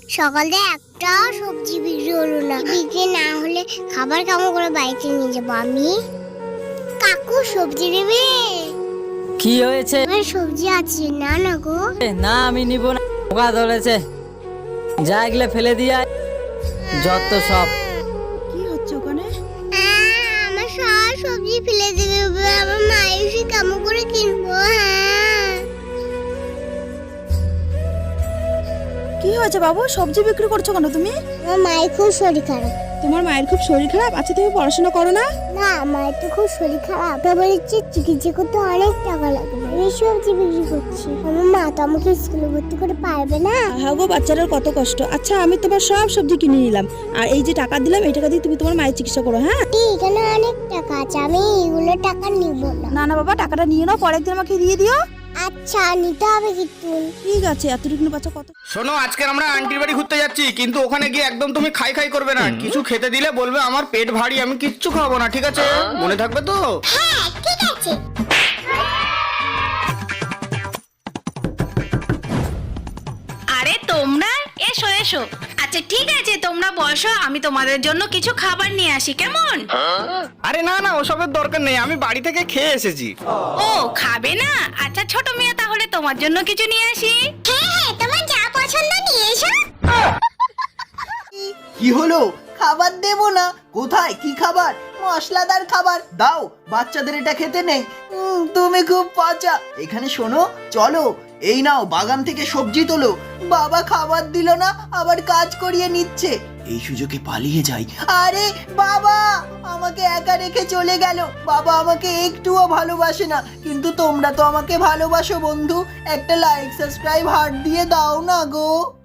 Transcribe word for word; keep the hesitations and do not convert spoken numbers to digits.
সকালে একটা সবজি বিক্রি হলো না, বিক্রি না হলে খাবার কেমন করে বাড়িতে নিয়ে যাবো আমি? কাকু সবজি নেবে? কি হয়েছে? আমার সবজি আছে না না গো। না আমি নিব না, পোকা ধরেছে। যা এগুলো ফেলে দিয়ে আয়। যত সব। কি হচ্ছে ওখানে? আমার সব সবজি ফেলে দেবে, আমার মায়ের সে কেমন করে কিনবো? হ্যাঁ কি হয়েছে বাবু, সবজি বিক্রি করছো কেন তুমি? আমার মায়ের খুব শরীর খারাপ। তোমার মায়ের খুব শরীর খারাপ? আচ্ছা তুমি পড়াশোনা করো না? না, মায়ের তো খুব শরীর খারাপ, তারপর হচ্ছে চিকিৎসা করতে অনেক টাকা লাগবে। এই সবজি বিক্রি করছি, আমার মা তো আমাকে স্কুলে ভর্তি করে পারবে না। হ্যাঁ গো, বাচ্চাটার কত কষ্ট। আচ্ছা আমি তোমার সব সবজি কিনে নিলাম, আর এই যে টাকা দিলাম এই টাকা দিয়ে তুমি তোমার মায়ের চিকিৎসা করো। হ্যাঁ এখানে অনেক টাকা আছে, আমি এগুলো টাকা নিব না। না না বাবা, টাকাটা নিয়ে নাও, পরের দিন আমাকে দিয়ে দিও। আচ্ছা নিতে হবে কিন্তু। ঠিক আছে, এতটুকু বাচ্চা কত। শোনো, আজকে আমরা আন্টির বাড়ি ঘুরতে যাচ্ছি, কিন্তু ওখানে গিয়ে একদম তুমি খাই খাই করবে না। কিছু খেতে দিলে বলবে আমার পেট ভারী, আমি কিচ্ছু খাবো না, ঠিক আছে? মনে থাকবে তো? হ্যাঁ ঠিক আছে। আরে তোমরা এসো এসো। আচ্ছা ঠিক আছে, তোমরা বসো, আমি তোমাদের জন্য কিছু খাবার নিয়ে আসি, কেমন? আরে না না, ওসবের দরকার নেই, আমি বাড়ি থেকে খেয়ে এসেছি। ও খাবে না? আচ্ছা ছোট মেয়ে, তাহলে তোমার জন্য কিছু নিয়ে আসি। হ্যাঁ হ্যাঁ, তোমার যা পছন্দ নিয়ে এসো। কি হলো? খাবার দেবো না? কোথায় কি খাবার? মশলাদার খাবার দাও, বাচ্চাদের এটা খেতে নেই। উম, তুমি খুব পচা। এখানে শোনো, চলো এই নাও, বাগান থেকে সবজি তোলো। বাবা খাবার দিল না, আবার কাজ করিয়ে নিচ্ছে। এই সুযোগে পালিয়ে যাই। আরে বাবা আমাকে একা রেখে চলে গেল। বাবা আমাকে একটুও ভালোবাসে না, কিন্তু তোমরা তো আমাকে ভালোবাসো বন্ধু। একটা লাইক সাবস্ক্রাইব হার্ট দিয়ে দাও না গো।